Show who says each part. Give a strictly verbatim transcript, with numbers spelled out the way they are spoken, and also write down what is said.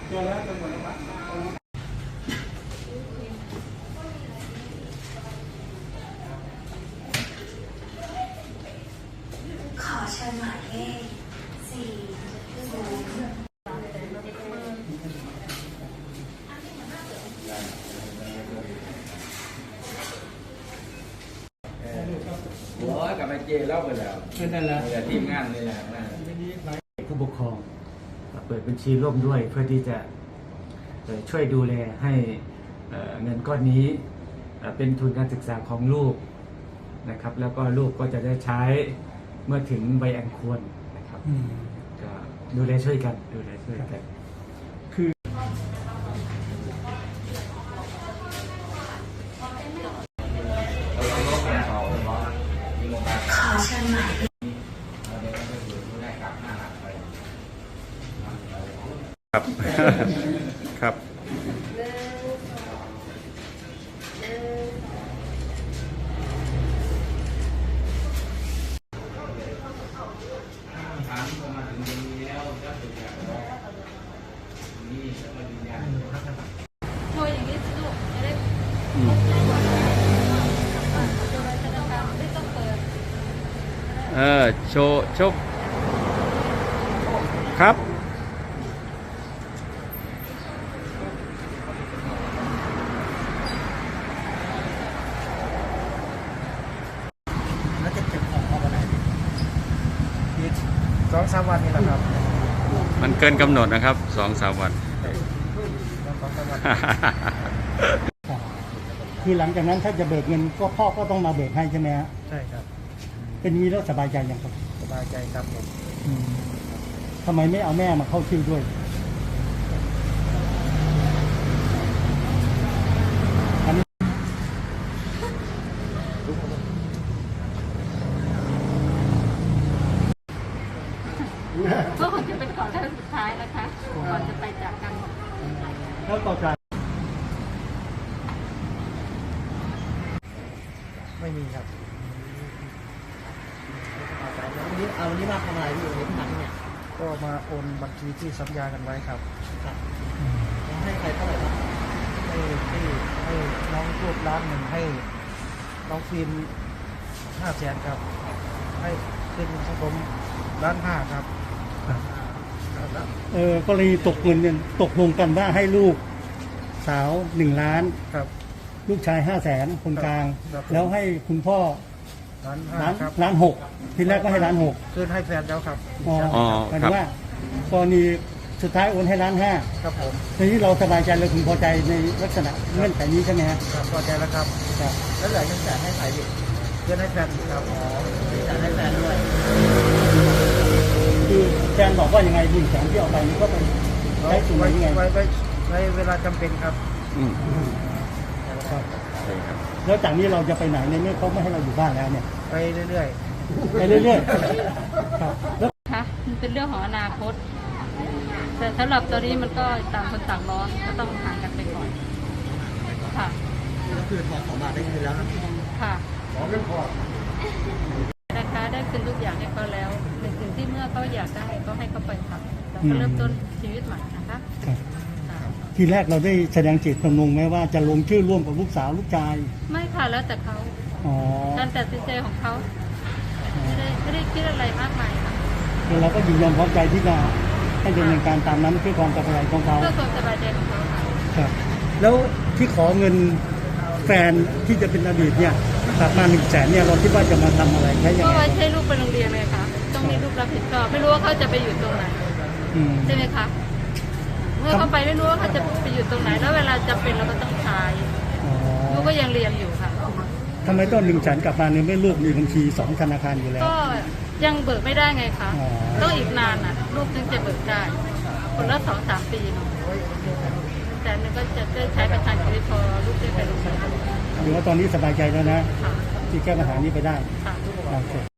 Speaker 1: ขอเชิญหมายเลขสี่ศูนย์
Speaker 2: หัวกับไอ้เจเล่าไปแล้วนั่นแหละทีมงานนี่แหละ
Speaker 3: ผู้ปกครองเปิดบัญชีร่วมด้วยเพื่อที่จะช่วยดูแลให้เงินก้อนนี้เป็นทุนการศึกษาของลูกนะครับแล้วก็ลูกก็จะได้ใช้เมื่อถึงวัยอันควรนะครับก็ดูแลช่วยกันดูแลช่วยกันคือ
Speaker 1: ขอเชิญหมายเลข
Speaker 4: ครับครับ
Speaker 5: โชว์อย่างนี้สิลูกจะได้ไม่ต้องเปิด
Speaker 4: เออโชว์โชว์ครับ
Speaker 3: แล้วจะเก็บของเอาไปไหนสองสามวันนี่แหละครับ
Speaker 4: มันเกินกำหนดนะครับสองสามวัน
Speaker 3: คือหลังจากนั้นถ้าจะเบิกเงินก็พ่อก็ต้องมาเบิกให้ใช่ไหมฮะใช่ครับเป็นนี้แล้วสบายใจยังครับสบายใจครับผมทำไมไม่เอาแม่มาเข้าชื่อด้วยอันนี้
Speaker 5: ก็คงจะเป็นก่อนครั้งสุดท้ายนะคะก่อนจะไปจากกัน
Speaker 3: แล้วต่อจากไม่มีครับวันนี้เอาวันนี้มาทำอะไรอยู่ในที่นั้นเนี่ยก็มาโอนบัญชีที่สัญญากันไว้ครับครับให้ใครเท่าไหร่ครับให้ให้ให้น้องรูปล้านหนึ่งให้น้องฟิล์มห้าแสนครับให้เป็นสมล้านห้าครับเออกรณีตกเงินเนี่ยตกลงกันว่าให้ลูกสาวหนึ่งล้านครับลูกชายห้าแสนคนกลางแล้วให้คุณพ่อล้านห้าครับล้านหกทีแรกก็ให้ล้านหกคืนให้แฟนแล้วครับอ๋อหมายถึงว่ากรณีสุดท้ายโอนให้ล้านห้าครับผมทีนี้เราสบายใจเราถึงพอใจในลักษณะเงื่อนไขนี้ใช่ไหมครับพอใจแล้วครับแล้วเหลือยังจ่ายให้ใครอีกเงินให้แฟนครับอ๋อจ่ายให้แฟนด้วยคือแฟนบอกว่ายังไงหนึ่งแสนที่เอาไปนี่ก็ไปใช้ส่วนยังไงไว้ไว้ไว้เวลาจำเป็นครับอืมแล้วจากนี้เราจะไปไหนในเมื่อเขาไม่ให้เราอยู่บ้านแล้วเนี่ยไปเรื่อยๆไปเรื่อยๆครับ
Speaker 5: ค่ะมันเป็นเรื่องของอนาคตแต่สำหรับตอนนี้มันก็ต่างคนต่างร้อนก็ต้องห่างกันไปก่อนค่ะ
Speaker 3: ก็คือทองสองบาทได้คืนแล้วนะ
Speaker 5: ค่ะขอเงินพอนะคะได้คืนทุกอย่างให้เขาแล้วในสิ่งที่เมื่อเขาอยากได้ก็ให้เขาไปทำแล้วก็เริ่มต้นชีวิตใหม่นะคะ
Speaker 3: ทีแรกเราได้แสดงเจตจำนงไหมว่าจะลงชื่อร่วมกับลูกสาวลูกชาย
Speaker 5: ไม่ค่ะแล้วแต่เขาการตัดสินใจของเขาไม่ได้ไม่ได้คิดอะไรมากมายค่ะ
Speaker 3: เราก็ยินยอมพร้อมใจที่จะให้ดำเนินการตามนั้นเพื่อความสบายใจของเขา
Speaker 5: เพื่อความสบายใจของเขาค่ะ
Speaker 3: ครับแล้วที่ขอเงินแฟนที่จะเป็นอดีตเนี่ยกลับมาหนึ่งแสนเนี่ยเราคิดว่าจะมาทำอะไรใช้ยังไง
Speaker 5: ก็ไว้ใช้ลูกไปโรงเรียนเลยค่ะต้องมีลูกรับผิดชอบไม่รู้ว่าเขาจะไปอยู่ตรงไหนใช่ไหมคะเมื่อเขาไปไม่รู้ว่าเขาจะไปอยู่ตรงไหนแล้วเวลาจะเป็นเราก็ต้องใช้ลูกก็ยังเรียนอยู่ค่ะ
Speaker 3: ทำไมต้องหนึ่งแสนกลับมาเนี่ยไม่ลูกมีบัญชีสองธนาคารอยู่แล้ว
Speaker 5: ก็ยังเบิกไม่ได้ไงคะต้องอีกนานอ่ะลูกจึงจะเบิกได้คนละสองสามปีเนาะแต่นึงก็จะได้ใช้ประทังชีวิตพอลูกได้ไปโรงเรียน
Speaker 3: หรือว่าตอนนี้สบายใจแล้วนะที่แก้ปัญหานี้ไปได้